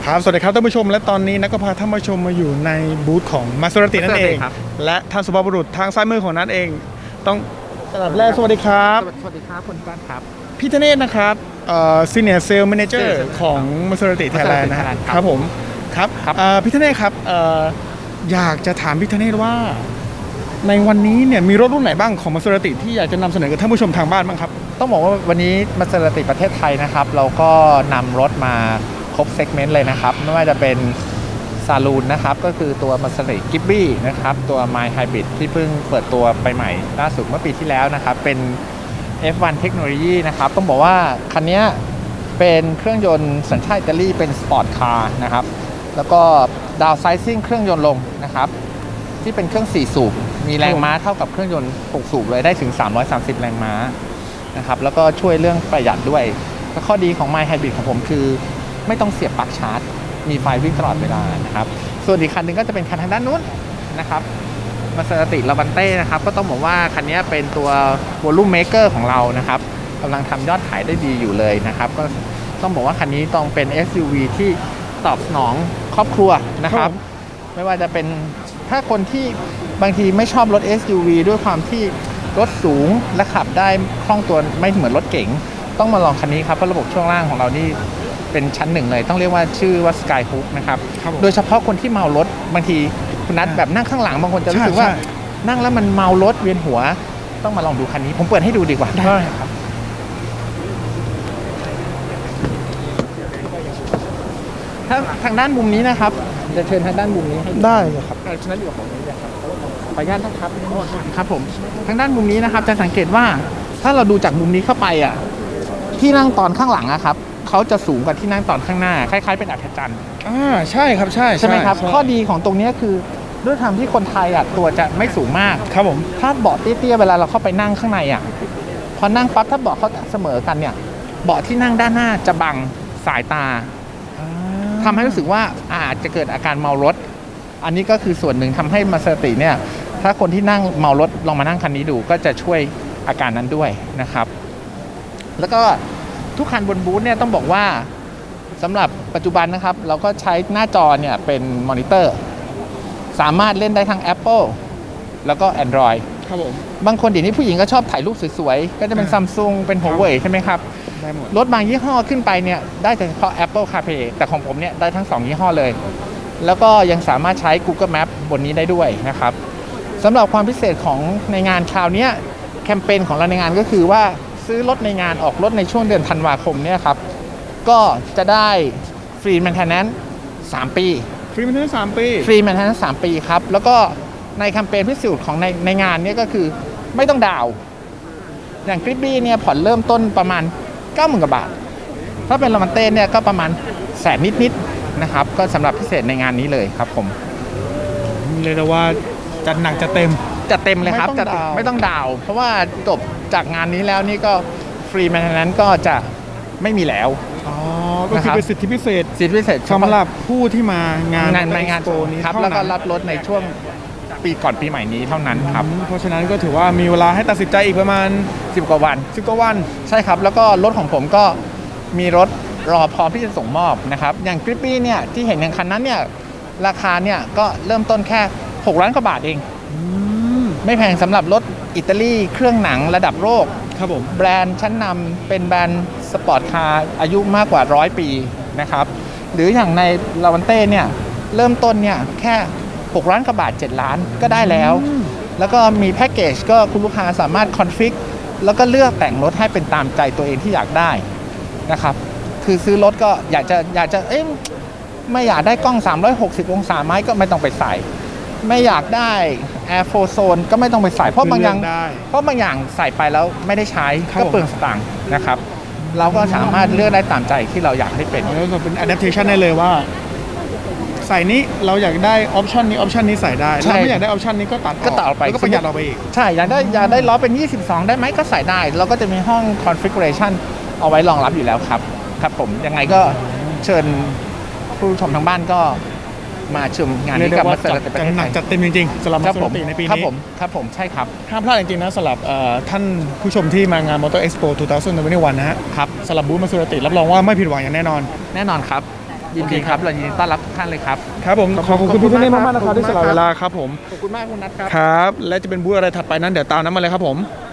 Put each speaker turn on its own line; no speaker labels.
ครับสวัสดีครับท่านผู้ชมและตอนนี้นักก็พาท่านผู้ชมมาอยู่ในบูธของมาสุรตินั่นเองและท่านสุภาพบุรุษทางซ้ายมือของนั้นเองต้องสำหรับแรกสวัสดีครับ
สวัสดีครับคุณป้านครับ
พี่ธเนศนะครับSenior Sales Manager ของมาสุรติไทยแลนด์นะครับผมครับพี่ธเนศครับอยากจะถามพี่ธเนศว่าในวันนี้เนี่ยมีรถรุ่นไหนบ้างของมาสุรติที่อยากจะนำเสนอกับท่านผู้ชมทางบ้านบ้างครับ
ต้องบอกว่าวันนี้มาสุรติประเทศไทยนะครับเราก็นำรถมาครบเซกเมนต์เลยนะครับไม่ว่าจะเป็นซาลูนนะครับก็คือตัวมาสุรติกิบบี้นะครับตัว My Hybrid ที่เพิ่งเปิดตัวไปใหม่ล่าสุดเมื่อปีที่แล้วนะครับเป็น F1 เทคโนโลยีนะครับต้องบอกว่าคันนี้เป็นเครื่องยนต์สัญชาติอิตาลีเป็นสปอร์ตคาร์นะครับแล้วก็ดาวไซซิ่งเครื่องยนต์ลงนะครับที่เป็นเครื่อง4สูบมีแรงม้าเท่ากับเครื่องยนต์6สูบเลยได้ถึง330แรงม้านะครับแล้วก็ช่วยเรื่องประหยัดด้วยและข้อดีของ My Hybrid ของผมคือไม่ต้องเสียบปลั๊กชาร์จมีไฟวิ่งตลอดเวลานะครับส่วนอีกคันนึงก็จะเป็นคันทางด้านนู้นนะครับมาเซอร์ติลาวันเต้นะครับก็ต้องบอกว่าคันนี้เป็นตัว Volume Maker ของเรานะครับกำลังทำยอดขายได้ดีอยู่เลยนะครับก็ต้องบอกว่าคันนี้ต้องเป็น SUV ที่ตอบสนองครอบครัวนะครับไม่ว่าจะเป็นถ้าคนที่บางทีไม่ชอบรถ SUV ด้วยความที่รถสูงและขับได้คล่องตัวไม่เหมือนรถเก๋งต้องมาลองคันนี้ครับเพราะระบบช่วงล่างของเรานี่เป็นชั้นหนึ่งเลยต้องเรียกว่าชื่อว่า Sky Hook นะครับโดยเฉพาะคนที่เมารถบางทีคุณนัทแบบนั่งข้างหลังบางคนจะรู้สึกว่านั่งแล้วมันเมารถเวียนหัวต้องมาลองดูคันนี้ผมเปิดให้ดูดีกว่าได้ครับถ้าทางด้านมุมนี้นะครับจะเชิญทางด้านมุมนี้ให้
ได้เลยครับ
ฉะนั้นอยู่ของนี้นะครับขออนุญาตนะครับครับผมทางด้านมุมนี้นะครับจะสังเกตว่าถ้าเราดูจากมุมนี้เข้าไปอ่ะที่นั่งตอนข้างหลังอะครับเขาจะสูงกว่าที่นั่งตอนข้างหน้าคล้ายๆเป็นอัศจรรย์
ใช่ครับใช่
ไหมครับข้อดีของตรงนี้คือด้วยความที่คนไทยอ่ะตัวจะไม่สูงมาก
ครับผม
ถ้าเบาะเตี้ยๆเวลาเราเข้าไปนั่งข้างในอ่ะพอนั่งปั๊บถ้าเบาะเขาเสมอกันเนี่ยเบาะที่นั่งด้านหน้าจะบังสายตาทำให้รู้สึกว่าอาจจะเกิดอาการเมารถอันนี้ก็คือส่วนหนึ่งทำให้มาเซอร์ติเนี่ยถ้าคนที่นั่งเมารถลองมานั่งคันนี้ดูก็จะช่วยอาการนั้นด้วยนะครับแล้วก็ทุกคันบนบูธเนี่ยต้องบอกว่าสำหรับปัจจุบันนะครับเราก็ใช้หน้าจอเนี่ยเป็นมอนิเตอร์สามารถเล่นได้ทั้ง Apple แล้วก็ Android
ครับผม
บางคนเดี๋ยวนี้ผู้หญิงก็ชอบถ่ายรูปสวยๆก็จะเป็น Samsung เป็น Huawei ใช่ไหมครับ
ได้หมด
รถบางยี่ห้อขึ้นไปเนี่ยได้เฉพาะ Apple CarPlay แต่ของผมเนี่ยได้ทั้ง2ยี่ห้อเลยแล้วก็ยังสามารถใช้ Google Map บนนี้ได้ด้วยนะครับสำหรับความพิเศษของในงานคราวนี้แคมเปญของเราในงานก็คือว่าซื้อรถในงานออกรถในช่วงเดือนธันวาคมเนี่ยครับก็จะได้ฟรีแมนเทนแนนซ์3 ปี
ฟรีแมนเทนแนนซ์3 ปี
ฟรีแมนเทนแนนซ์3 ปีครับแล้วก็ในแคมเปญพิเศษของในงานนี้ก็คือไม่ต้องดาวอย่างกริบบี้เนี่ยผ่อนเริ่มต้นประมาณ 90,000 กว่าบาทถ้าเป็นลามันเต้เนี่ยก็ประมาณแสนนิดๆนะครับก็สำหรับพิเศษในงานนี้เลยครับผม
เรียกได้ว่าจัดหนักจัดเต็ม
เลยครับไม่ต้องดาวเพราะว่าจบจากงานนี้แล้วนี่ก็ฟรีแมนเทนแนนซ์ก็จะไม่มีแล้ว
ก็คือเป็นสิทธิพิเศษสำหรับผู้ที่มางานโปรนี้
ครับแล้วก็รับรถในช่วงปีก่อนปีใหม่นี้เท่านั้นครับ
เพราะฉะนั้นก็ถือว่ามีเวลาให้ตัดสินใจอีกประมาณ
10 กว่าวันใช่ครับแล้วก็รถของผมก็มีรถรอพร้อมที่จะส่งมอบนะครับอย่างกริปปี้เนี่ยที่เห็นอย่างคันนั้นเนี่ยราคาเนี่ยก็เริ่มต้นแค่6 ล้านกว่าบาทเองไม่แพงสำหรับรถอิตาลีเครื่องหนังระดับโลก
ครับผม
แบรนด์ชั้นนำเป็นแบรนด์สปอร์ตคาร์อายุมากกว่า100 ปีนะครับหรืออย่างในลาวันเต้เนี่ยเริ่มต้นเนี่ยแค่6 ล้านกว่าบาท7 ล้านก็ได้แล้วก็มีแพ็กเกจก็คุณลูกค้าสามารถคอนฟิกแล้วก็เลือกแต่งรถให้เป็นตามใจตัวเองที่อยากได้นะครับคือซื้อรถก็อยากจะไม่อยากได้กล้อง360 องศาไหมก็ไม่ต้องไปใส่ไม่อยากได้ Air Flow Zone ก็ไม่ต้องไปใส่เพราะบางอย่างใส่ไปแล้วไม่ได้ใช้ก็เปลืองสตางค์นะครับเราก็สามารถเลือกได้ตามใจที่เราอยากให้เป็น
เป็น adaptation ได้เลยว่าใส่นี้เราอยากได้ออปชันนี้ใส่ได้เราไม่อยากได้ออปชันนี้ก็ตัดออกไปก็ประหยัดออกไปอีก
ใช่อยากได้ล้อเป็น22ได้ไหมก็ใส่ได้เราก็จะมีห้อง configuration เอาไว้รองรับอยู่แล้วครับผมยังไงก็เชิญผู้ชมทางบ้านก็มาชมงานนี้กับมาเซอร์ติ
จัดหนักจัดเต็มจริงๆสำหรับมาเซอร์ติในปีนี้
ครับผมใช่ครับ
ห้ามพลาดจริงๆนะสำหรับท่านผู้ชมที่มางาน Motor Expo 2021 นะฮะ
ครับ
สำหรับบูธมาเซอร์ติรับรองว่าไม่ผิดหวังอย่างแน่นอน
ครับยินดีครับเรายินดีต้อนรับทุกท่านเลยครับ
ครับผมขอบคุณพี่ธเนศมากๆนะครับที่สละเวลาครับผม
ขอบคุณมากคุณนัทครับ
ครับและจะเป็นบูธอะไรถัดไปนั้นเดี๋ยวตามนั้นมาเลยครับผม